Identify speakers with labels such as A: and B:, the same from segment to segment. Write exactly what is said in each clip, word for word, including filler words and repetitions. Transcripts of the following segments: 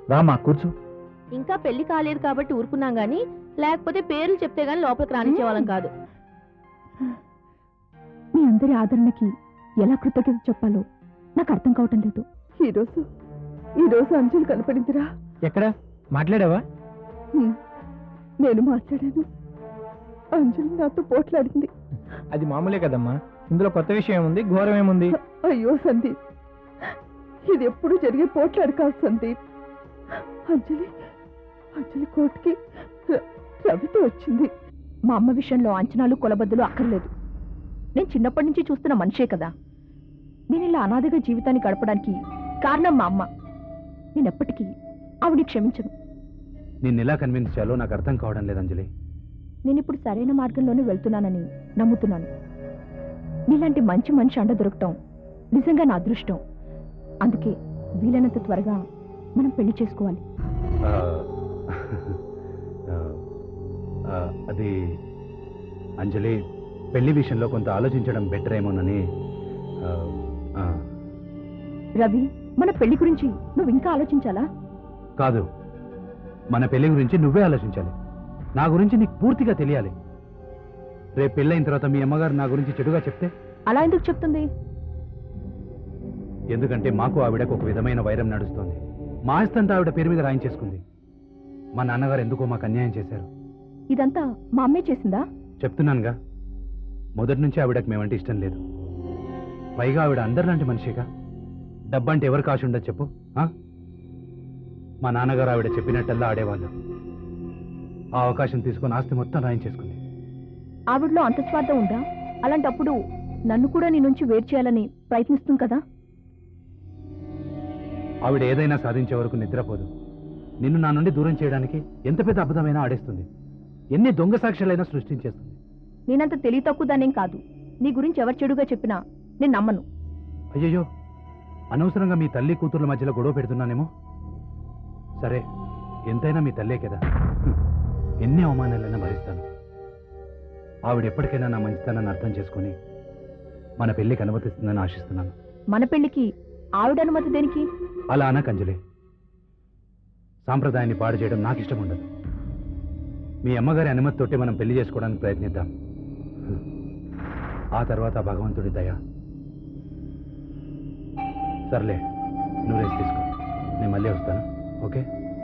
A: రామా కూర్చో.
B: ఇంకా పెళ్లి కాలేదు కాబట్టి ఊరుకున్నాం గానీ లేకపోతే పేర్లు చెప్తే గానీ లోపలికి రానిచ్చేవాళ్ళం కాదు.
C: మీ అందరి ఆదరణకి ఎలా కృతజ్ఞత చెప్పాలో నాకు అర్థం కావటం లేదు.
D: ఈరోజు ఈరోజు అంజలి కనపడిందిరా.
A: ఎక్కడ మాట్లాడావా?
D: నేను మాట్లాడాను. అంజలి నాతో పోట్లాడింది.
A: అది మామూలే కదమ్మా, ఇందులో కొత్త విషయం ఏముంది, ఘోరం ఏముంది?
D: అయ్యో సందీప్, ఇది ఎప్పుడు జరిగే పోట్లాడు కాదు సందీప్. అంజలి అంజలి కోర్టుకి రవితో వచ్చింది.
C: మా అమ్మ విషయంలో అంచనాలు కొలబద్దలు అక్కర్లేదు. నేను చిన్నప్పటి నుంచి చూస్తున్న మనిషే కదా. నేను ఇలా అనాథగా జీవితాన్ని గడపడానికి కారణం మా అమ్మ. నేను ఎప్పటికీ ఆవిడ క్షమించను.
E: నిన్ను ఎలా కన్విన్స్ చేయాలో నాకు అర్థం కావడం లేదు అంజలి.
C: నేను ఇప్పుడు సరైన మార్గంలోనే వెళ్తున్నానని నమ్ముతున్నాను. నీలాంటి మంచి మనిషి అండ దొరకటం నిజంగా నా అదృష్టం. అందుకే వీలైనంత త్వరగా మనం పెళ్లి చేసుకోవాలి.
E: అది అంజలి, పెళ్లి విషయంలో కొంత ఆలోచించడం బెటర్ ఏమోనని.
C: రవి, మన పెళ్లి గురించి నువ్వు ఇంకా ఆలోచించాలా?
E: కాదు, మన పెళ్లి గురించి నువ్వే ఆలోచించాలి. నా గురించి నీకు పూర్తిగా తెలియాలి. రేపు పెళ్ళైన తర్వాత మీ అమ్మగారు నా గురించి చెడుగా చెప్తే?
C: అలా ఎందుకు చెప్తుంది?
E: ఎందుకంటే మాకు ఆవిడకు ఒక విధమైన వైరం నడుస్తోంది. మా ఆస్తంతా ఆవిడ పేరు మీద రాయించేసుకుంది. మా నాన్నగారు ఎందుకో మాకు అన్యాయం చేశారు.
C: ఇదంతా మా అమ్మే చేసిందా?
E: చెప్తున్నానుగా, మొదటి నుంచి ఆవిడకు మేమంటే ఇష్టం లేదు. పైగా ఆవిడ అందరిలాంటి మనిషిగా. డబ్బంటే ఎవరు కాశి ఉండదు చెప్పు? మా నాన్నగారు ఆవిడ చెప్పినట్టల్లా ఆడేవాళ్ళు. ఆ అవకాశం తీసుకుని ఆస్తి మొత్తం రాయించేసుకుంది.
C: ఆవిడలో అంత స్వార్థం ఉందా? అలాంటప్పుడు నన్ను కూడా నీ నుంచి వేరు చేయాలని ప్రయత్నిస్తుంది కదా.
E: ఆవిడ ఏదైనా సాధించే వరకు నిద్రపోదు. నిన్ను నా నుండి దూరం చేయడానికి ఎంత పెద్ద అబద్ధమైనా ఆడేస్తుంది. ఎన్ని దొంగ సాక్ష్యాలైనా సృష్టించేస్తుంది.
C: నేనంత తెలివి తక్కువ దానేం కాదు. నీ గురించి ఎవరు చెడుగా చెప్పినా నేను నమ్మను.
E: అయ్యయ్యో, అనవసరంగా మీ తల్లి కూతుర్ల మధ్యలో గొడవ పెడుతున్నానేమో. సరే, ఎంతైనా మీ తల్లే కదా. ఎన్ని అవమానాలైనా భరిస్తాను. ఆవిడ ఎప్పటికైనా నా మంచితనాన్ని అర్థం చేసుకుని మన పెళ్లికి అనుమతిస్తుందని ఆశిస్తున్నాను.
C: మన పెళ్లికి ఆవిడ అనుమతి దేనికి?
E: అలా అనకు అంజలి. సాంప్రదాయాన్ని పాడు చేయడం నాకు ఇష్టం ఉండదు. మీ అమ్మగారి అనుమతి తోటి మనం పెళ్లి చేసుకోవడానికి ప్రయత్నిద్దాం. ఆ తర్వాత భగవంతుడి దయ. సర్లే, నువ్వు రేసి తీసుకో, నేను మళ్ళీ వస్తాను. ఓకే?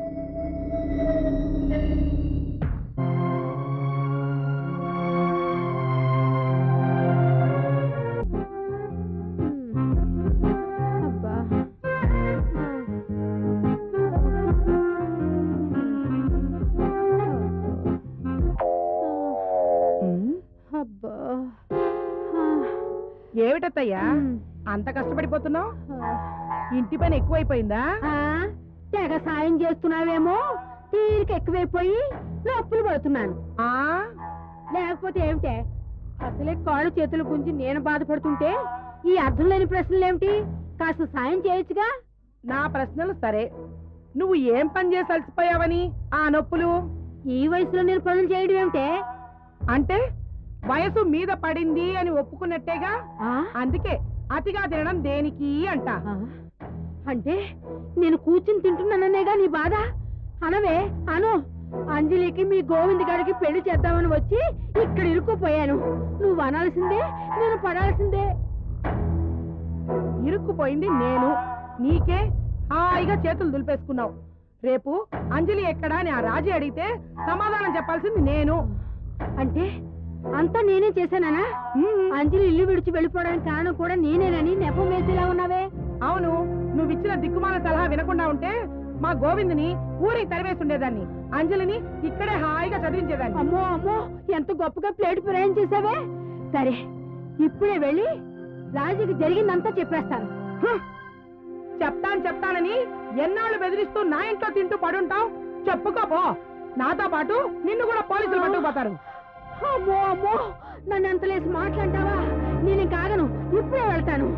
D: ఏమిటత్తయ్యా అంత కష్టపడిపోతున్నావు? ఇంటి పని ఎక్కువైపోయిందా?
B: తెగ సాయం చేస్తున్నావేమో, తీరిక ఎక్కువైపోయి నొప్పులు పడుతున్నాను. లేకపోతే ఏమిటే, అసలే కాళ్ళు చేతుల గురించి నేను బాధపడుతుంటే ఈ అర్థం లేని ప్రశ్నలేమిటి? కాస్త సాయం చేయొచ్చుగా.
D: నా ప్రశ్నలు సరే, నువ్వు ఏం పని చేసి అలసిపోయావని ఆ నొప్పులు?
B: ఈ వయసులో నేను పనులు చేయడం ఏమిటే?
D: అంటే వయసు మీద పడింది అని ఒప్పుకున్నట్టేగా. అందుకే అతిగా తినడం దేనికి అంట.
B: అంటే నేను కూర్చుని తింటున్నాననేగా నీ బాధ? అనవే అను. అంజలికి మీ గోవింద్ గారికి పెళ్లి చేద్దామని వచ్చి ఇక్కడ ఇరుక్కుపోయాను. నువ్వు అనాల్సిందే, నేను పడాల్సిందే.
D: ఇరుక్కుపోయింది నేను, నీకే హాయిగా చేతులు దులిపేసుకున్నావు. రేపు అంజలి ఎక్కడా అని ఆ రాజీ అడిగితే సమాధానం చెప్పాల్సింది నేను.
B: అంటే అంతా నేనే చేశానా? అంజలి ఇల్లు విడిచి వెళ్ళిపోవడానికి కారణం కూడా నేనేనని నెపం వేసేలా ఉన్నావే.
D: అవును, నువ్వు ఇచ్చిన దిక్కుమాల సలహా వినకుండా ఉంటే మా గోవింద్ని ఊరికి తరివేసి ఉండేదాన్ని, అంజలిని ఇక్కడే హాయిగా చదివించేదాన్ని.
B: అమ్మో అమ్మో, ఎంత గొప్పగా ప్లేట్ ప్రయాణం చేసావే. సరే, ఇప్పుడే వెళ్ళి రాజుకి జరిగిందంతా చెప్పేస్తాను.
D: చెప్తాను చెప్తానని ఎన్నాళ్ళు బెదిరిస్తూ నా ఇంట్లో తింటూ పడుంటావు? చెప్పుకోపో, నాతో పాటు నిన్ను కూడా పోలీసులు పట్టుకుపోతారు.
B: అమ్మో అమ్మో, నన్ను ఎంత లేసి మాట్లాంటావా? నేను కాగను, ఇప్పుడే వెళ్తాను.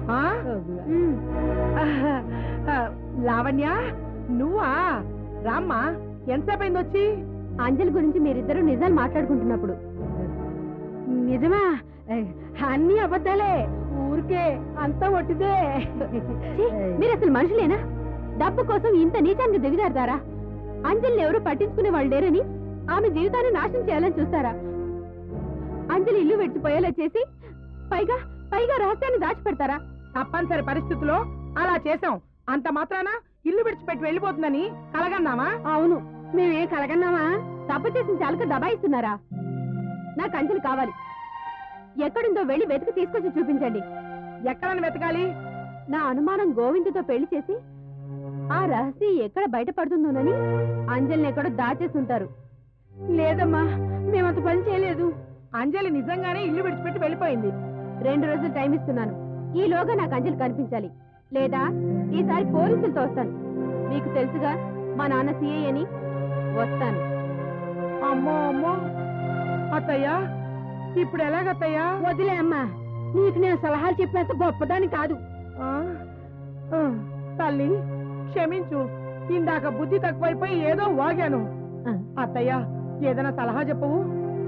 D: లావణ్య, నువ్వా? రామ్మా, ఎంతసేపు అయింది వచ్చి?
B: అంజలి గురించి మీరిద్దరూ నిజాలు మాట్లాడుకుంటున్నప్పుడు. నిజమా? అన్ని అబద్ధాలే, ఊరికే అంతా ఒట్టిదే. మీరు అసలు మనుషులేనా? డబ్బు కోసం ఇంత నీచానికి దిగజారుతారా? అంజలిని ఎవరు పట్టించుకునే వాళ్ళు లేరని ఆమె జీవితాన్ని నాశనం చేయాలని చూస్తారా? అంజలి ఇల్లు విడిచిపోయేలా చేసి పైగా పైగా రహస్యాన్ని దాచిపెడతారా?
D: తప్పనిసరి పరిస్థితుల్లో అలా చేసాం. అంత మాత్రాన ఇల్లు విడిచిపెట్టి వెళ్ళిపోతుందని కలగన్నామా?
B: అవును, మేమేం కలగన్నామా? తప్పు చేసిన చాలక దబాయిస్తున్నారా? నాకు అంజలి కావాలి. ఎక్కడుందో వెళ్ళి వెతికి తీసుకొచ్చి చూపించండి.
D: ఎక్కడని వెతకాలి?
B: నా అనుమానం గోవిందుతో పెళ్లి చేసి ఆ రహస్యం ఎక్కడ బయటపడుతుందోనని అంజలిని ఎక్కడో దాచేసి ఉంటారు. లేదమ్మా, మేమంత పని చేయలేదు.
D: అంజలి నిజంగానే ఇల్లు విడిచిపెట్టి వెళ్ళిపోయింది.
B: రెండు రోజులు టైం ఇస్తున్నాను. ఈలోగా నాకు అంజలి కనిపించాలి, లేదా ఈసారి పోలీసులతో వస్తాను. మీకు తెలుసుగా మా నాన్న సీఐ అని. వస్తాను.
D: అమ్మో అమ్మో, అత్తయ్యా ఇప్పుడు ఎలాగత్తయ్యా?
B: వదిలే అమ్మా, నీకు నేను సలహాలు చెప్పేంత గొప్పదాని కాదు.
D: ఆ? ఆ, తల్లి క్షమించు, ఇందాక బుద్ధి తక్కువైపోయి ఏదో వాగాను.
B: ఆ.
D: అత్తయ్యా ఏదైనా సలహా చెప్పవు?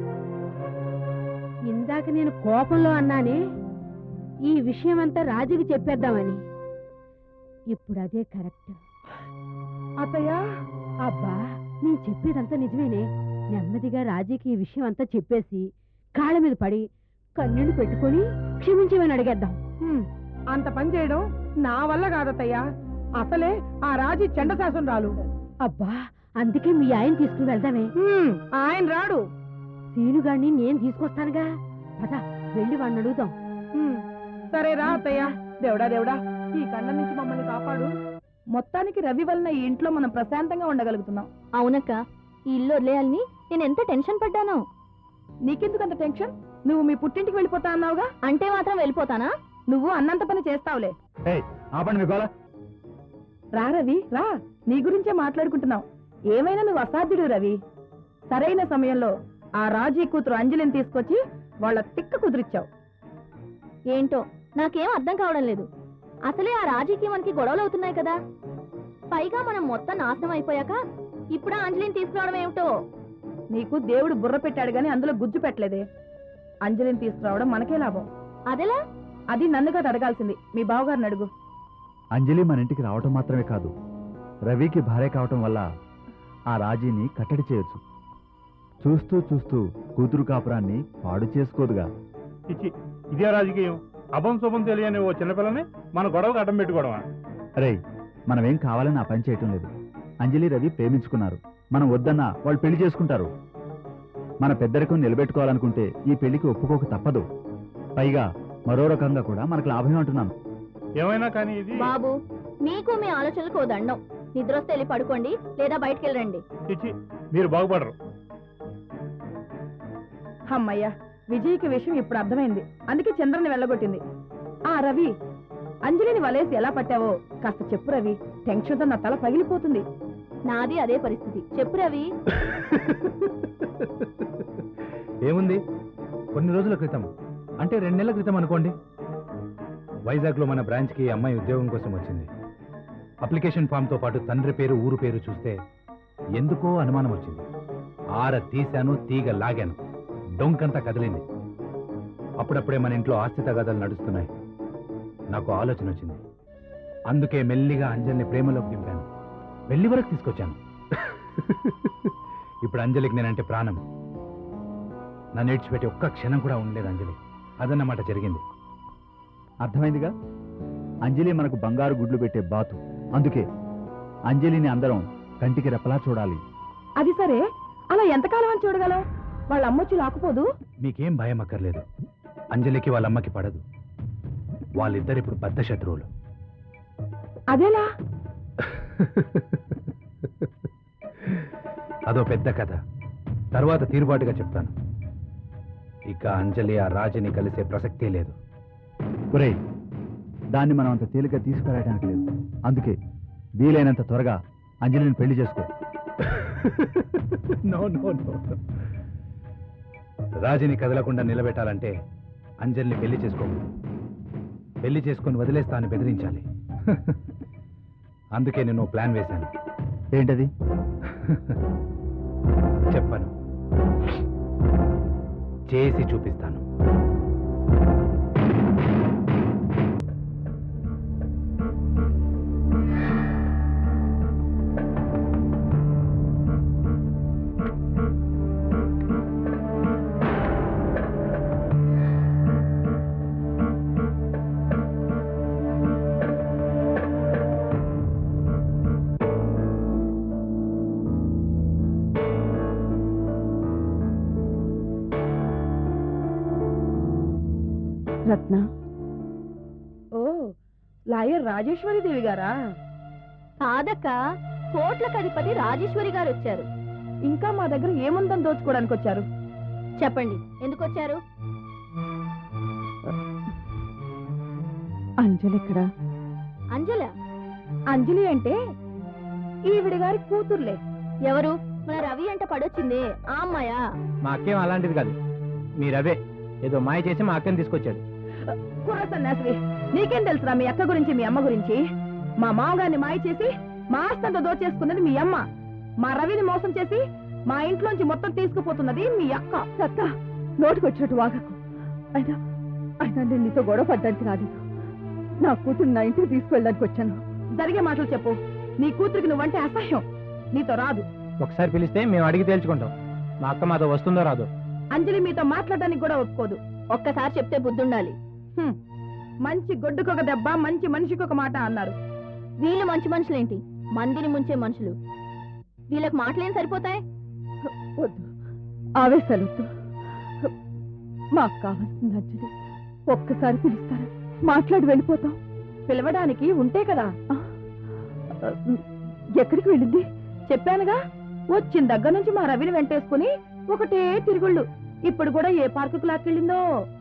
B: ఇందాక నేను కోపంలో అన్నానే ఈ విషయం అంతా రాజుకి చెప్పేద్దామని. ఇప్పుడు అదే కరెక్ట్.
D: అత్తయ్యా
B: అబ్బా, నీ చెప్పేదంతా నిజమేనే. నెమ్మదిగా రాజీకి ఈ విషయం అంతా చెప్పేసి కాళ్ళ మీద పడి కన్నీళ్లు పెట్టుకొని క్షమించమని అడిగేద్దాం.
D: హ్మ్, అంత పని చేయడం నా వల్ల కాదత్తయ్యా. అసలే ఆ రాజీ చండశాసనం రాలు.
B: అబ్బా, అందుకే మీ ఆయన తీసుకుని వెళ్దామే.
D: హ్మ్, ఆయన రాడు.
B: సీనుగాడిని నేను తీసుకొస్తానుగా. పద, వెళ్ళి వాడిని అడుగుదాం.
D: హ్మ్, సరే రా అత్తయ్యా. దేవుడా దేవుడా, ఈ కండ నుంచి మమ్మల్ని కాపాడు. మొత్తానికి రవి వలన ఈ ఇంట్లో మనం ప్రశాంతంగా ఉండగలుగుతున్నాం.
C: అవునక్క, ఈ ఇల్లు వదిలేయాలని నేను ఎంత టెన్షన్ పడ్డానో.
D: నీకెందుకు అంత టెన్షన్? నువ్వు మీ పుట్టింటికి వెళ్ళిపోతా అన్నావుగా.
C: అంటే మాత్రం వెళ్ళిపోతానా?
D: నువ్వు అన్నంత పని చేస్తావులే.
E: ఆపండి మీ గోల.
D: రా రవి రా, నీ గురించే మాట్లాడుకుంటున్నావు. ఏమైనా నువ్వు అసాధ్యుడు రవి. సరైన సమయంలో ఆ రాజీ కూతురు అంజలిని తీసుకొచ్చి వాళ్ళ తిక్క కుదిరిచ్చావు.
C: ఏంటో నాకేం అర్థం కావడం లేదు. అసలే ఆ రాజీకి మనకి గొడవలు అవుతున్నాయి కదా. పైగా మనం మొత్తం నాశనం అయిపోయాక ఇప్పుడు ఆ అంజలిని తీసుకురావడం ఏమిటో.
D: నీకు దేవుడు బుర్ర పెట్టాడు గాని అందులో గుజ్జు పెట్టలేదే. అంజలిని తీసుకురావడం మనకే లాభం.
C: అదెలా?
D: అది నన్ను కాదు అడగాల్సింది, మీ బావగారిని అడుగు.
F: అంజలి మన ఇంటికి రావటం మాత్రమే కాదు, రవికి భార్య కావటం వల్ల ఆ రాజీని కట్టడి చేయొచ్చు. చూస్తూ చూస్తూ కూతురు కాపురాన్ని పాడు చేసుకోదుగా.
G: ఇచ్చి ఇదే రాజకీయం. అభం శుభం తెలియని ఓ చిన్నపిల్లని మన గొడవకు అడ్డం పెట్టుకోవడమా?
F: అరే, మనమేం కావాలని ఆ పని చేయటం లేదు. అంజలి రవి ప్రేమించుకున్నారు. మనం వద్దన్నా వాళ్ళు పెళ్లి చేసుకుంటారు. మన పెద్దరికం నిలబెట్టుకోవాలనుకుంటే ఈ పెళ్లికి ఒప్పుకోక తప్పదు. పైగా మరో రకంగా కూడా మనకు లాభమే అంటున్నాను.
G: ఏమైనా కానీ ఇది
C: బాబు, మీకు మీ ఆలోచనలకు ఓ దండం. నిద్ర వస్తే వెళ్ళి పడుకోండి, లేదా బయటికి వెళ్ళండి.
G: చిచ్చి, మీరు బాగుపడరు.
D: అమ్మయ్యా, విజయ్కి విషయం ఇప్పుడు అర్థమైంది. అందుకే చంద్రని వెళ్ళగొట్టింది. ఆ రవి, అంజలిని వలేసి ఎలా పట్టావో కాస్త చెప్పు రవి. టెన్షన్తో నా తల పగిలిపోతుంది.
C: నాది అదే పరిస్థితి. చెప్పు రవి.
E: ఏముంది, కొన్ని రోజుల క్రితం, అంటే రెండు నెలల క్రితం అనుకోండి, వైజాగ్లో మన బ్రాంచ్కి అమ్మాయి ఉద్యోగం కోసం వచ్చింది. అప్లికేషన్ ఫామ్తో పాటు తండ్రి పేరు ఊరు పేరు చూస్తే ఎందుకో అనుమానం వచ్చింది. ఆర తీశాను, తీగ లాగాను, డొంకంతా కదిలింది. అప్పుడప్పుడే మన ఇంట్లో ఆస్తి తగాదాలు నడుస్తున్నాయి. నాకు ఆలోచన వచ్చింది. అందుకే మెల్లిగా అంజలిని ప్రేమలోకి దింపాను, వెళ్ళి వరకు తీసుకొచ్చాను. ఇప్పుడు అంజలికి నేనంటే ప్రాణం. నన్ను ఏడ్చిపెట్టి ఒక్క క్షణం కూడా ఉండలేదు అంజలి. అదన్నమాట జరిగింది.
F: అర్థమైందిగా, అంజలి మనకు బంగారు గుడ్లు పెట్టే బాతు. అందుకే అంజలిని అందరం కంటికి రెప్పలా చూడాలి.
D: అది సరే, అలా ఎంతకాలం అని చూడగలం? వాళ్ళ అమ్మొచ్చి లాక్కుపోదు?
E: మీకేం భయం అక్కర్లేదు. అంజలికి వాళ్ళ అమ్మకి పడదు. వాళ్ళిద్దరిప్పుడు బద్ధ శత్రువులు.
D: అదేలా?
E: అదో పెద్ద కథ, తర్వాత తీరుబాటుగా చెప్తాను. ఇక అంజలి ఆ రాజుని కలిసే ప్రసక్తే లేదు.
F: ఒరేయ్, దాన్ని మనం అంత తేలిక తీసుకురావడానికి లేదు. అందుకే వీలైనంత త్వరగా అంజలిని పెళ్లి చేసుకో.
E: నో నో నో రాజుని కదలకుండా నిలబెట్టాలంటే అంజలిని పెళ్లి చేసుకోకూడదు. పెళ్లి చేసుకొని వదిలేస్తా అని బెదిరించాలి. అందుకే నేను ప్లాన్ వేశాను.
F: ఏంటది?
E: చెప్పను, చేసి చూపిస్తాను.
D: రత్న ఓ లాయర్ రాజేశ్వరి దేవి గారా?
C: కాదక్క, కోట్లకు అధిపతి రాజేశ్వరి గారు వచ్చారు.
D: ఇంకా మా దగ్గర ఏముందని దోచుకోవడానికి వచ్చారు?
C: చెప్పండి, ఎందుకు వచ్చారు?
D: అంజలి ఎక్కడా?
C: అంజల?
D: అంజలి అంటే ఈవిడ గారి కూతుర్లే.
C: ఎవరు? మన రవి అంట పడొచ్చింది ఆ అమ్మాయా?
A: మా అక్కేం అలాంటిది కాదు, మీరవే ఏదో మాయ చేసి మా అక్కని తీసుకొచ్చాడు.
D: కుర్ర సన్యాసివి, నీకేం తెలుసురా మీ అక్క గురించి మీ అమ్మ గురించి? మా మామగారిని మాయ చేసి మా ఆస్తంతా దోచేసుకున్నది మీ అమ్మ. మా రవిని మోసం చేసి మా ఇంట్లోంచి మొత్తం తీసుకుపోతున్నది మీ అక్క.
B: సత్తా నోటికొచ్చినట్టు వాగకు. అయినా అయినా నేను నీతో గొడవ పడ్డానికి రాలేదు. నా కూతురు నా ఇంటికి తీసుకువెళ్ళడానికి వచ్చాను.
D: జరిగే మాటలు చెప్పు. నీ కూతురికి నువ్వంటే అసహ్యం, నీతో రాదు.
A: ఒకసారి పిలిస్తే మేము అడిగి తేల్చుకుంటాం. మా అక్క మాతో వస్తుందో రాదో.
D: అంజలి మీతో మాట్లాడడానికి కూడా ఒప్పుకోదు.
C: ఒక్కసారి చెప్తే బుద్ధుండాలి.
D: హ్మ్. మంచి గొడ్డుకొక దెబ్బ, మంచి మనిషికి ఒక మాట అన్నారు.
C: వీళ్ళు మంచి మనుషులేంటి, మందిని ముంచే మనుషులు. వీళ్ళకి మాటలేం సరిపోతాయి?
B: వద్దు, ఆవేశాలు వద్దు. మాకు కావాల్సింది అంజలి. ఒక్కసారి పిలుస్తారా? మాట్లాడి వెళ్ళిపోతాం.
D: పిలవడానికి ఉంటే కదా.
B: ఎక్కడికి వెళ్ళింది?
D: చెప్పానుగా, వచ్చిన దగ్గర నుంచి మా రవిని వెంటేసుకుని ఒకటే తిరుగుళ్ళు. ఇప్పుడు కూడా ఏ పార్కుకు లాక్కెళ్ళిందో.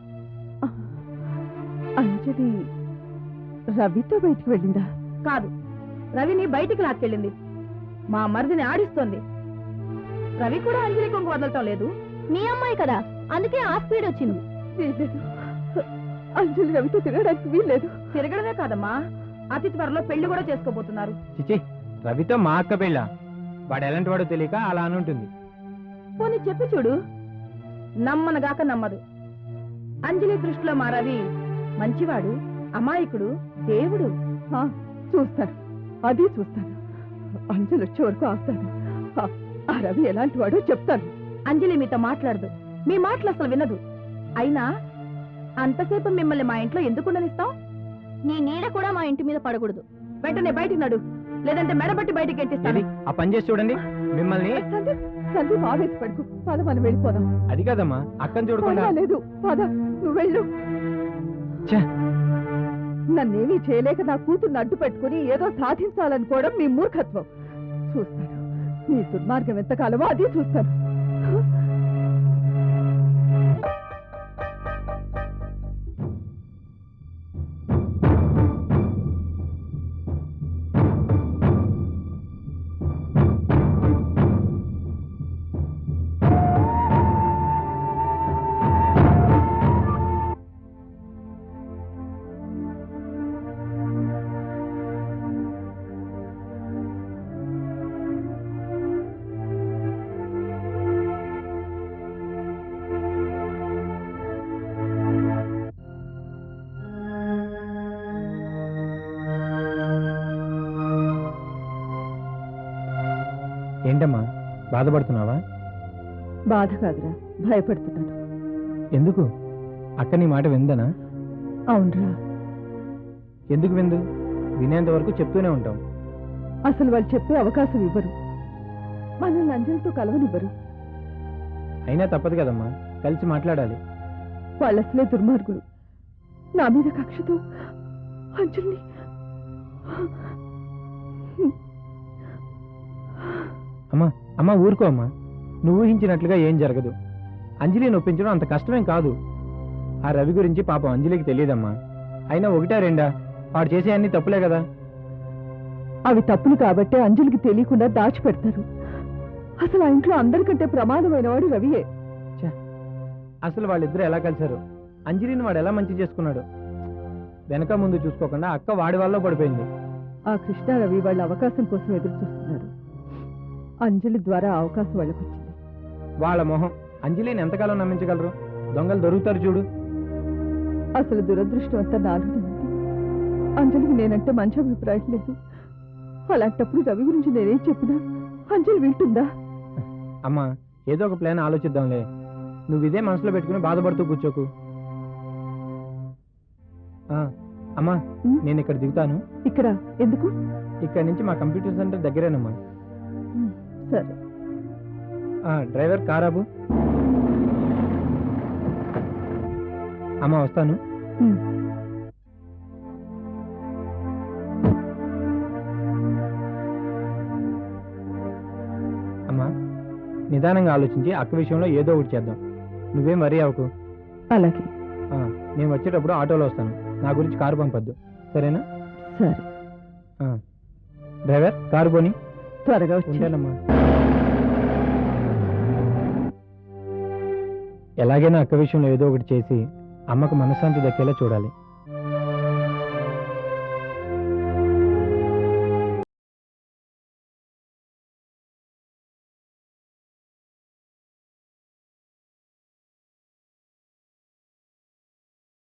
B: అంజలి రవితో బయటికి వెళ్ళిందా?
D: కాదు, రవిని బయటికి లాక్కెళ్ళింది. మా మరిదిని ఆడిస్తోంది. రవి కూడా అంజలి కొంగు వదలటం లేదు.
C: మీ అమ్మాయి కదా, అందుకే ఆ స్పీడ్ వచ్చింది.
B: వీల్లేదు, అంజలి రవితో తిరగడానికి వీల్లేదు.
D: తిరగడమే కాదమ్మా, అతి త్వరలో పెళ్లి కూడా చేసుకోబోతున్నారు.
A: చిచి, రవితో మా అక్క పెళ్ళ? వాడు ఎలాంటి వాడో తెలియక అలా అని ఉంటుంది.
D: పోనీ చెప్పి చూడు. నమ్మనగాక నమ్మదు. అంజలి దృష్టిలో మా రవి మంచివాడు, అమాయకుడు, దేవుడు.
B: ఆ, చూస్తాను, అది చూస్తాను. అంజలి వచ్చే వరకు ఆస్తాను. ఆ- ఆ రవి ఎలాంటి వాడో చెప్తాను.
D: అంజలి మీతో మాట్లాడదు, మీ మాటలు అసలు వినదు. అయినా అంతసేపు మిమ్మల్ని మా ఇంట్లో ఎందుకు ఉండనిస్తాం?
C: నీ నీడ కూడా మా ఇంటి మీద పడకూడదు.
D: వెంటనే బయటికి నడు, లేదంటే మెడబట్టి బయటికి ఎట్టిస్తాను.
A: ఏది? ఆ పని చేసి చూడండి మిమ్మల్ని.
B: సందీప్, సందీప్ ఆవేశపడుకు. పద, మనం వెళ్ళిపోదాం.
A: అది కాదమ్మా, అక్కని చూడకుండా.
B: లేదు, పద, నువ్వు వెళ్ళు.
A: ఛే!
B: నన్నేమీ చేయలేక నా కూతుర్ని అడ్డు పెట్టుకుని ఏదో సాధించాలనుకోవడం మీ మూర్ఖత్వం. చూస్తాను నీ దుర్మార్గం ఎంతకాలమో అది చూస్తాను.
A: ఏంటమ్మా, బాధపడుతున్నావా?
B: బాధ కాదురా, భయపడుతున్నాను.
A: ఎందుకు? అక్క నీ మాట విందనా?
B: అవునరా.
A: ఎందుకు విందు? వినేంత వరకు చెప్తూనే ఉంటాం.
B: అసలు వాళ్ళు చెప్పే అవకాశం ఇవ్వరు. మనల్ని అంజలితో కలవనివ్వరు.
A: అయినా తప్పదు కదమ్మా, కలిసి మాట్లాడాలి.
B: వాళ్ళు అసలే దుర్మార్గులు. నా మీద కక్షతో అంజలిని
A: అమ్మా అమ్మా ఊరుకో అమ్మా. నువ్వు ఊహించినట్లుగా ఏం జరగదు. అంజలిని ఒప్పించడం అంత కష్టమేం కాదు. ఆ రవి గురించి పాపం అంజలికి తెలియదమ్మా. అయినా ఒకటా రెండా, వాడు చేసే అన్ని తప్పులే కదా.
B: అవి తప్పులు కాబట్టే అంజలికి తెలియకుండా దాచిపెడతారు. అసలు ఆ ఇంట్లో అందరికంటే ప్రమాదమైన వాడు రవియే.
A: అసలు వాళ్ళిద్దరూ ఎలా కలిశారు? అంజలిని వాడు ఎలా మంచి చేసుకున్నాడు? వెనక ముందు చూసుకోకుండా అక్క వాడి వల్ల పడిపోయింది.
B: ఆ కృష్ణ రవి వాళ్ళ అవకాశం కోసం ఎదురు చూస్తున్నారు. అంజలి ద్వారా ఆ అవకాశం వాళ్ళకి వచ్చింది.
A: వాళ్ళ మొహం. అంజలిని ఎంతకాలం నమ్మించగలరు? దొంగలు దొరుకుతారు చూడు.
B: అసలు దురదృష్టం అంతా నాలోనే ఉంది. అంజలికి నేనంటే మంచి అభిప్రాయం లేదు. అలాంటప్పుడు రవి గురించి నేనేం చెప్పినా అంజలి వింటుందా?
A: అమ్మా, ఏదో ఒక ప్లాన్ ఆలోచిద్దాంలే. నువ్వు ఇదే మనసులో పెట్టుకుని బాధపడుతూ కూర్చోకు. ఆ, అమ్మా, నేను ఇక్కడ దిగుతాను.
B: ఇక్కడ ఎందుకు?
A: ఇక్కడ నుంచి మా కంప్యూటర్ సెంటర్ దగ్గరేనమ్మా.
B: సరే.
A: ఆ, డ్రైవర్ కారాబు. అమ్మా వస్తాను.
C: ఉమ్.
A: అమ్మా నిదానంగా ఆలోచించి అక్క విషయంలో ఏదో ఒకటి చేద్దాం. నువ్వేం వరీ అవ్వకు.
C: అలాగే.
A: ఆ, నేను వచ్చేటప్పుడు ఆటోలో వస్తాను. నా గురించి కారు పంపొద్దు, సరేనా?
C: సరే.
A: ఆ. డ్రైవర్ కారు పోని.
C: త్వరగా వచ్చి.
A: ఉంటానమ్మా. ఎలాగైనా అక్క విషయంలో ఏదో ఒకటి చేసి అమ్మకు మనశ్శాంతి దక్కేలా చూడాలి.